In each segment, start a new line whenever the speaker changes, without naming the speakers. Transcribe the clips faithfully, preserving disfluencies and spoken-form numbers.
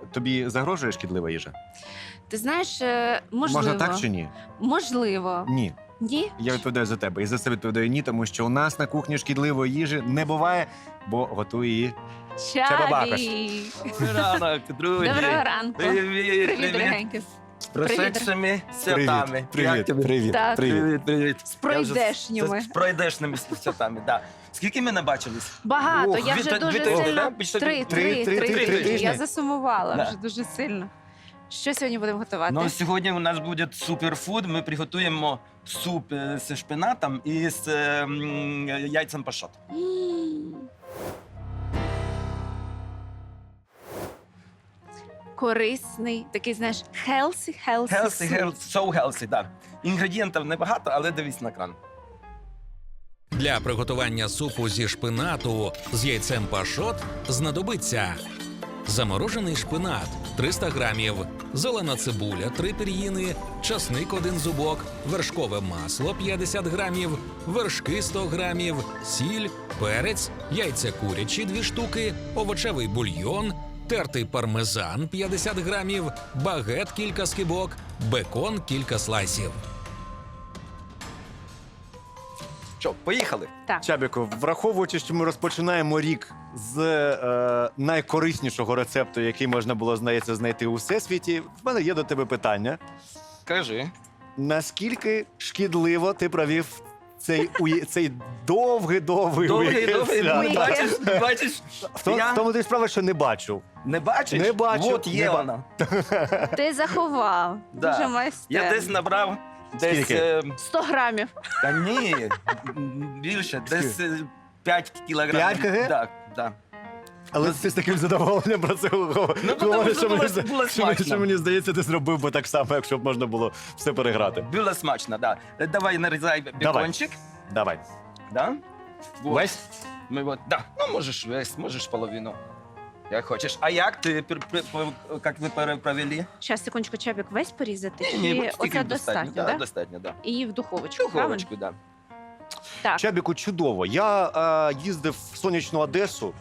тобі загрожує шкідлива їжа?
Ти знаєш, е, можливо.
Можна так чи ні?
Можливо.
Ні.
Ні?
Я відповідаю за тебе. І за це відповідаю ні, тому що у нас на кухні шкідливої їжі не буває, бо готує її. Бабакаш.
Чабі.
Добрий ранок, друзі.
Доброго ранку.
Привіт,
Привіт,
привіт.
дорогенькі.
З прошедшими святами.
Привіт,
Як тобі?
привіт,
Так.
привіт.
Привіт, привіт.
З
Я вже
пройдешніми.
З, з пройдешними святами, да. Скільки ми не бачились?
Багато,
Ох,
я
дві-
вже
дві
дуже
тижні,
сильно.
да? Більше
Три,
три-
три,
три-
три
три
тижні.
тижні.
Я засумувала
Да.
вже дуже сильно. Що сьогодні будемо готувати?
Ну, сьогодні у нас буде суперфуд. Ми приготуємо суп е, зі шпинатом і з е, м, яйцем пашот.
М. Корисний, такий, знаєш, healthy, healthy,
Healthy,
soup.
healthy, so healthy, так. Інгредієнтів небагато, але дивись на кран.
Для приготування супу зі шпинату з яйцем пашот знадобиться заморожений шпинат триста грамів, зелена цибуля три пір'їни, часник один зубок, вершкове масло п'ятдесят грамів, вершки сто грамів, сіль, перець, яйця курячі дві штуки, овочевий бульйон, тертий пармезан п'ятдесят грамів, багет кілька скибок, бекон кілька слайсів.
Що, поїхали?
Так.
Чабіко, враховуючи, що ми розпочинаємо рік з е, найкориснішого рецепту, який можна було, здається, знайти у всесвіті, в мене є до тебе питання.
Кажи.
Наскільки шкідливо ти провів цей, уї- цей довгий-довгий
Довгий,
уікенд
довгий,
свята?
бачиш, бачиш,
В тому,
я
в тому ти справа, що не бачив.
не бачиш?
Не бачу,
От є
не ба-
вона.
Ти заховав.
Да.
Дуже
Я
майстерно.
десь набрав, десь,
Скільки?
е,
сто грамів.
та ні, більше, десь е, п'ять кілограмів.
п'ять кг?
Так, так.
Але ти з таким задоволенням про це говориш,
Ну, тому що
що,
було-
мені,
було
що, мені-
смачно.
що мені здається, ти зробив би так само, якщо б можна було все переграти.
Було смачно, да. Е, Давай нарізай бекончик.
Давай.
Да? Вот.
Весь?
Ми от, да. Ну, можеш весь, можеш половину. Як хочеш. А як ти, пер- пер- пер- як ви пере- провели?
Зараз, секундочку, чабік весь порізати?
Ні,
Чи
ні, от стільки
оце достатньо,
да?
да?
Достатньо, да.
І в духовочку, правильно?
Духовочку, да.
Так.
Чабіку, чудово. Я е, їздив в сонячну Одесу,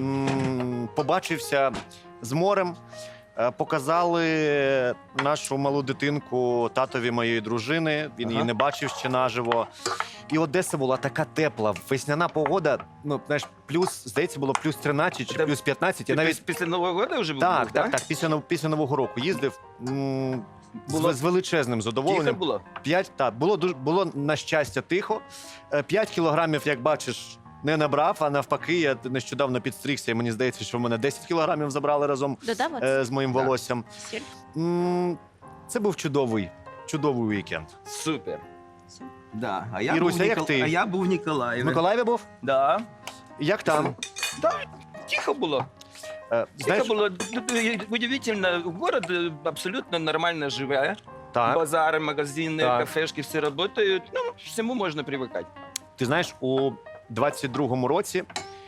м, побачився з морем, е, показали нашу малу дитинку татові моєї дружини. Він
Ага.
її не бачив ще наживо. І Одеса була така тепла, весняна погода. Ну, знаєш, плюс, здається, було плюс тринадцять чи
Це
плюс п'ятнадцять.
Ти
Я навіть
піс- після Нового року вже був?
так,
був,
так,
да?
так. Після нов- після нового року їздив. м, з-
Було-
З величезним
Тихо
задоволенням.
було?
П'ять, так, було дуже було на щастя тихо. Е, П'ять кілограмів, як бачиш, не набрав, а навпаки, я нещодавно підстригся, і мені здається, що в мене десять кілограмів забрали разом
Додав оце?
е, з моїм
Так.
волоссям.
Сіль?
М, Це був чудовий, чудовий вікенд.
Супер.
Все.
Да. А я,
Іруся,
був,
як
Нікол-
ти?
а я був в Ніколаєві.
В Миколаєві був?
Да.
Як там?
Да, тихо було.
Е,
Тихо
Знаєш,
було. Удивительно, город е, абсолютно нормально живе.
так.
Базари, магазини,
Так.
кафешки, все працюють. Ну, всьому можна привикати.
Ти знаєш, у двадцять другому році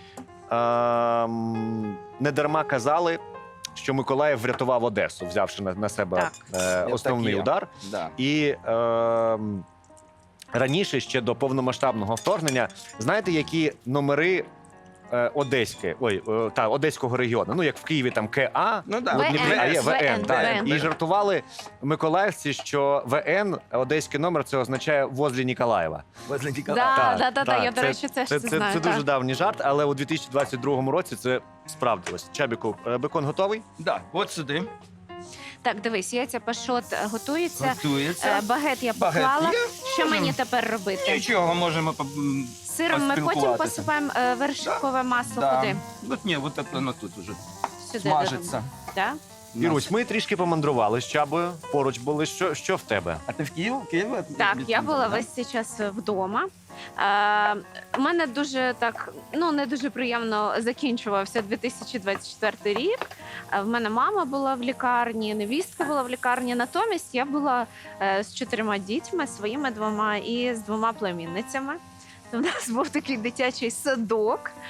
ем, не дарма казали, що Миколаїв врятував Одесу, взявши на, на себе
Так.
е,
Я
основний
так є.
удар.
Да.
І ем, раніше, ще до повномасштабного вторгнення, знаєте, які номери е, Одеське, ой, е, та, Одеського регіону, ну як в Києві там КА,
Ну, да.
у Дніпрі, а є
ВН,
ВН, так.
ВН.
І жартували миколаївці, що ВН, одеський номер, це означає «возле Ніколаєва».
Возле
Да,
Ніколаєва.
Так,
да, да, да,
так,
я, до
це-
речі, теж
Це,
це,
це,
знаю.
це дуже
так.
давній жарт, але у дві тисячі двадцять другому році це справдилось. Чабіку, е, бекон готовий?
Да, от сюди.
Так, дивись, яйця пашот е, готується.
Готується.
Е, Багет я
Багет
поклала.
є?
Що
Можемо.
мені тепер робити?
Нічого, можемо по- м,
Сиром ми потім
поспілкуватися.
посипаємо е, вершкове масло куди?
От ні, от так воно тут уже
Сюди
смажиться.
Да?
Ірусь, ми трішки помандрували з Чабою, поруч були. Що, що в тебе?
А ти в Київ? Київ?
Так, я була весь цей час вдома. Е, у мене дуже так, ну не дуже приємно закінчувався дві тисячі двадцять четвертий рік. Е, в мене мама була в лікарні, невістка була в лікарні. Натомість я була е, з чотирма дітьми, своїми двома і з двома племінницями. У нас був такий дитячий садок.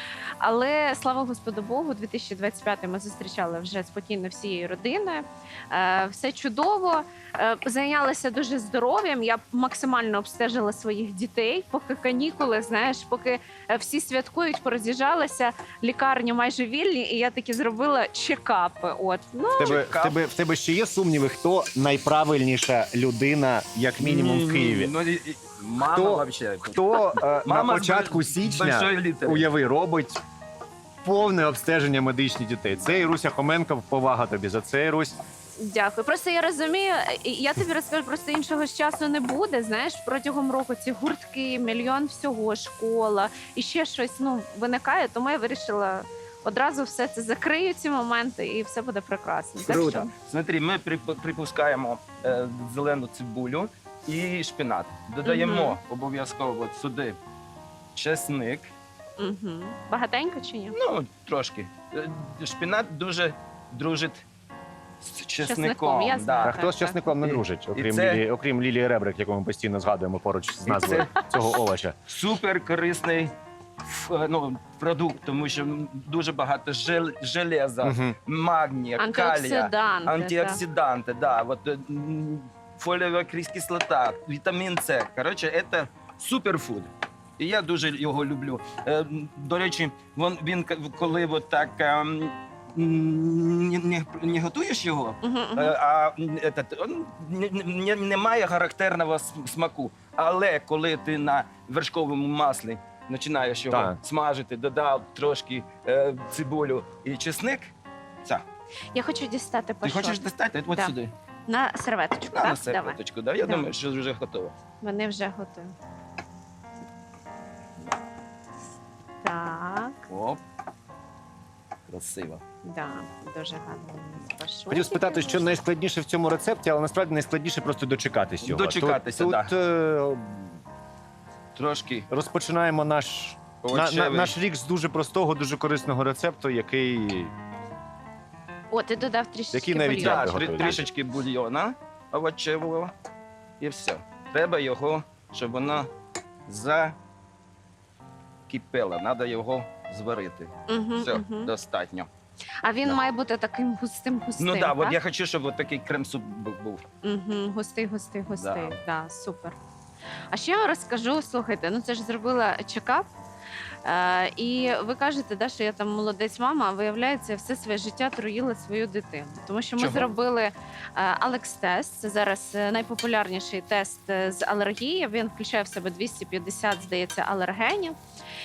Але слава Господу Богу, дві тисячі двадцять п'ятий ми зустрічали вже спокійно всією родиною. Е, Все чудово. Е, Зайнялася дуже здоров'ям. Я максимально обстежила своїх дітей, поки канікули, знаєш, поки е, всі святкують, пороз'їжджалися, лікарні майже вільні, і я таки зробила чекапи. От ну
В тебе, в,
Чекав.
тебе, в тебе ще є сумніви, хто найправильніша людина, як мінімум, в Києві?
Ну, і- і- мама
Хто-
вообще.
Хто е, на
Мама з
початку
бо-
січня,
большої літери.
уяви, робить повне обстеження медичних дітей? Це Іруся Хоменко, повага тобі за це, Ірусь.
дякую. Просто я розумію, і я тобі розкажу, просто іншого ж часу не буде. Знаєш, протягом року ці гуртки, мільйон всього, школа і ще щось ну виникає. Тому я вирішила одразу все це закрию, ці моменти, і все буде прекрасно. Так
Круто.
що
Смотри, ми прип- припускаємо е, зелену цибулю і шпинат. Додаємо
Мгм.
обов'язково сюди чесник.
угу. Багатенько чи ні?
Ну, трошки. Е, Шпинат дуже дружить з
Чесником,
чесником.
я знаю.
А
Да.
хто з
так.
часником не
І-
дружить,
і
окрім,
це-
Лілії, окрім Лілії Ребрик, яку ми постійно згадуємо поруч з
І
назвою цього овоча?
Супер корисний ф- е, ну, продукт, тому що дуже багато жел, железа,
Мгм.
магнія, калія,
Антиоксиданти.
антиоксиданти, да, вот, е, м, фолієва кислота, вітамін С. Коротше, це суперфуд. І я дуже його люблю. Е, м, До речі, він, він к- коли от так ем, м, не, не, не готуєш його,
Угу, угу.
Е, а м, этот, он не, не, не має характерного см- смаку. Але коли ти на вершковому маслі починаєш його
Так.
смажити, додав трошки е, цибулю і чесник, це.
Я хочу дістати
Ти
пашот.
хочеш достати? От
Да.
сюди.
На серветочку,
На,
так?
на
Давай.
серветочку. Да? Я
Давай.
думаю, що вже готово.
Вони вже готові. Так,
Оп. Красиво.
да, дуже гарно. Пашот.
Хотів спитати, що найскладніше в цьому рецепті, але насправді найскладніше просто дочекатись його.
Дочекатися,
Тут,
да.
тут е,
Трошки
розпочинаємо наш, на, на,
овочевий.
наш рік з дуже простого, дуже корисного рецепту, який
О, ти додав трішечки
Який навіть
бульйону.
я
Да,
готовий.
трі- трішечки бульйона овочевого. І все. Треба його, щоб воно закипело. Треба його зварити.
Мгм,
Все,
мгм.
достатньо.
А він
Да.
має бути таким густим-густим,
Ну так,
так?
от я хочу, щоб от такий крем-суп бу- був.
Угу, густий, густий, густий.
Да.
Да. Супер. А ще я вам розкажу, слухайте, ну це ж зробила чекап. Е, і ви кажете, да, що я там молодець мама, а виявляється, я все своє життя труїла свою дитину. Тому що ми
Чого?
зробили Алекс-тест. Це зараз е, найпопулярніший тест е, з алергії. Він включає в себе двісті п'ятдесят, здається, алергенів.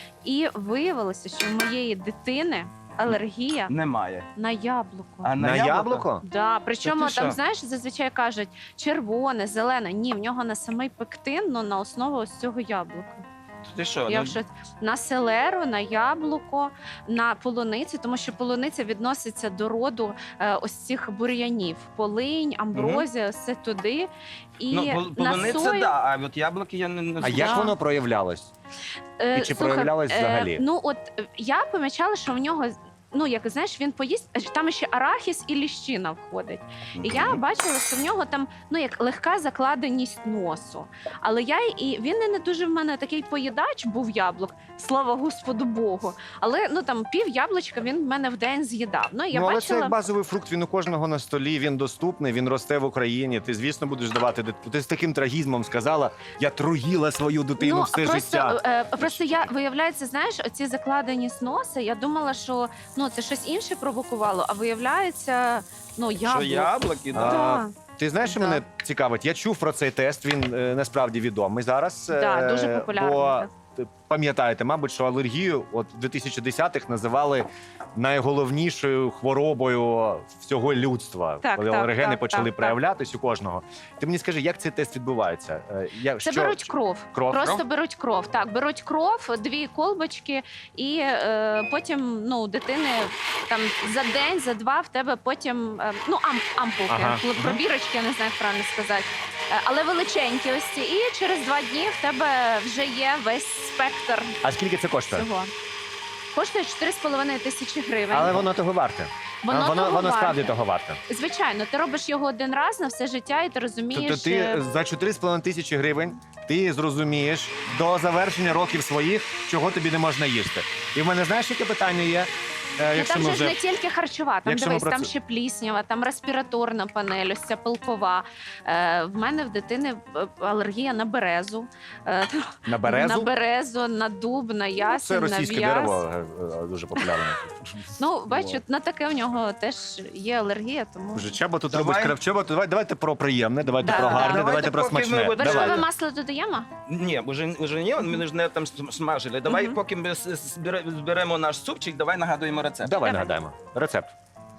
І виявилося, що в моєї дитини алергія
Немає.
на яблуко.
А
на яблуко?
Да, причому
Та ти
там,
що?
знаєш, зазвичай кажуть червоне, зелене. Ні, в нього на самий пектин, ну на основу ось цього яблука.
Ти що?
Я
ну,
в шоці. На селеру, на яблуко, на полуницю, тому що полуниця відноситься до роду е, ось цих бур'янів. Полинь, амброзія, все туди. І
ну, пол-
на
полуниця,
сою,
да, а от яблуки я не, не
А
знаю.
як
Да.
воно проявлялось?
е,
і чи
слухай,
проявлялось
е,
взагалі?
Ну от е, я помічала, що в нього. Ну, як знаєш, він поїсть, а там ще арахіс і ліщина входить. І я
Мгм.
бачила, що в нього там ну як легка закладеність носу. Але я і він і не дуже в мене такий поїдач був яблук, слава Господу Богу. Але ну там пів яблучка він в мене в день з'їдав. Ну і я
ну, але це
бачила.
як базовий фрукт, він у кожного на столі, він доступний, він росте в Україні. Ти, звісно, будеш давати дит- Ти з таким трагізмом сказала, я труїла свою дитину
Ну,
все
просто,
життя.
е, просто я виявляється, знаєш, оці закладеність носа. Я думала, що ну це щось інше провокувало, а виявляється, ну
Що
яблуко.
яблуки, да.
А,
Да.
Ти знаєш, що
Да.
мене цікавить? Я чув про цей тест, він е, насправді відомий зараз.
Да,
е,
дуже популярний,
Бо
так.
т- пам'ятаєте, мабуть, що алергію от в дві тисячі десятих називали найголовнішою хворобою всього людства,
Так,
коли
так,
алергени
так,
почали
так,
проявлятись у кожного. Ти мені скажи, як цей тест відбувається? Е, Я,
Це
що-
беруть кров.
Кров?
Просто
Кров?
беруть кров. Так, беруть кров, дві колбочки, і е, потім ну, у дитини там за день, за два в тебе потім е, ну, ам, ампулки,
Ага.
пл- пробірочки, я не знаю, як правильно сказати. Е, але величенькі ось ці. І через два дні в тебе вже є весь спектр
А скільки це коштує?
цього. Коштує чотири з половиною тисячі гривень.
Але воно того варте.
Воно
А, воно,
того
воно справді
варте.
того варте.
Звичайно, ти робиш його один раз на все життя, і ти розумієш.
Тобто ти
е,
за чотири з половиною тисячі гривень ти зрозумієш до завершення років своїх, чого тобі не можна їсти. І в мене знаєш, яке питання є? Е,
Ну,
якщо
там
ми
же ж
вже...
не тільки харчова, там
Якщо ми
дивись,
про
там
це-
ще пліснява, там респіраторна панель, ось ця пилкова. Е, в мене в дитини е, алергія на березу, е,
На березу?
на березу, на дуб, на
Ну,
ясень,
це
на
російське
в'яз.
дерево е, е, дуже популярне.
Ну, бачу,
Вот.
на таке в нього теж є алергія, тому...
Вже Чаба тут
Давай.
робить кравчеба. Давай, давайте про приємне, давайте
Да,
про
да.
гарне,
Давайте
давайте про
поки ми
смачне.
от-
Вершкове
Давайте.
масло додаємо?
Ні, вже, вже ні, ми ж не там смажили. Давай,
Мгм.
поки ми с- с- збере- зберемо наш супчик, давай нагадуємо рецепт.
Давай
Давай.
нагадаємо. Рецепт.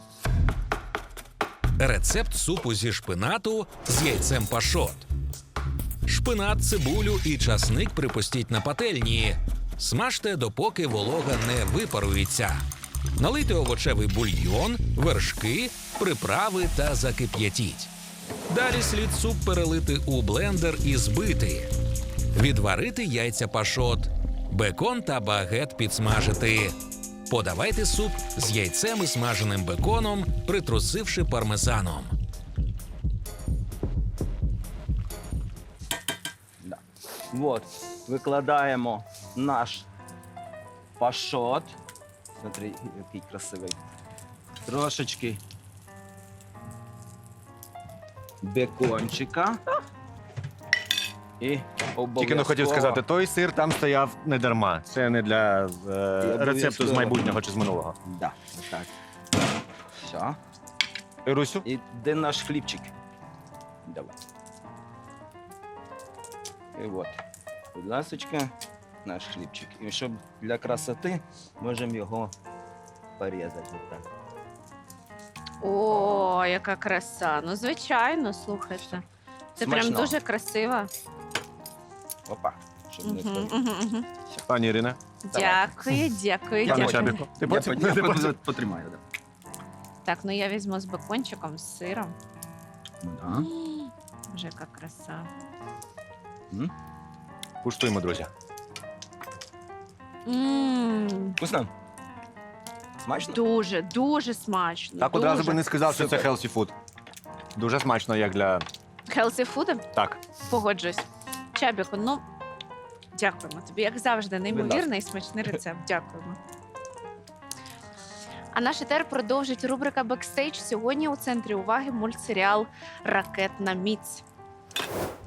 Рецепт супу зі шпинату з яйцем пашот. Шпинат, цибулю і часник припустіть на пательні. Смажте, допоки волога не випарується. Налийте овочевий бульйон, вершки, приправи та закип'ятіть. Далі слід суп перелити у блендер і збити. Відварити яйця пашот. Бекон та багет підсмажити. Подавайте суп з яйцем і смаженим беконом, притрусивши пармезаном.
Да. Вот, викладаємо наш пашот. Смотри, який красивий. Трошечки бекончика. І обов'язково...
Тільки не хотів сказати, той сир там стояв не дарма. Це не для е, рецепту з
обов'язково.
майбутнього чи з минулого.
Да, так. Все.
Ірусю?
І де наш хлібчик? Давай. І от, будь ласочка, наш хлібчик. І щоб для красоти можемо його порізати. Отак.
О, яка краса. Ну, звичайно, слухайте. Це прям
Смачно.
дуже красиво.
Опа. Щоб не
Мгм,
спалити.
мгм, мгм.
Пані Ірина.
Дякую, дякую,
Пане
дякую.
Чабіку. Ти
Я,
потім?
по- я
Ти
по-
потім?
потримаю. Да.
Так, ну я візьму з бекончиком, з сиром.
Ну, да.
М, Боже, яка краса.
М?
Куштуємо, друзі.
М,
Вкусно? Смачно?
Дуже, дуже смачно.
Так одразу
дуже.
би не сказав, що це
Супер.
healthy food. Дуже смачно, як для...
Healthy food?
Так.
Погоджуюсь. Чабіку, ну, дякуємо тобі. Як завжди, неймовірний і смачний рецепт. Дякуємо. А наш етер продовжить рубрика «Бекстейдж». Сьогодні у центрі уваги мультсеріал «Ракетна міць».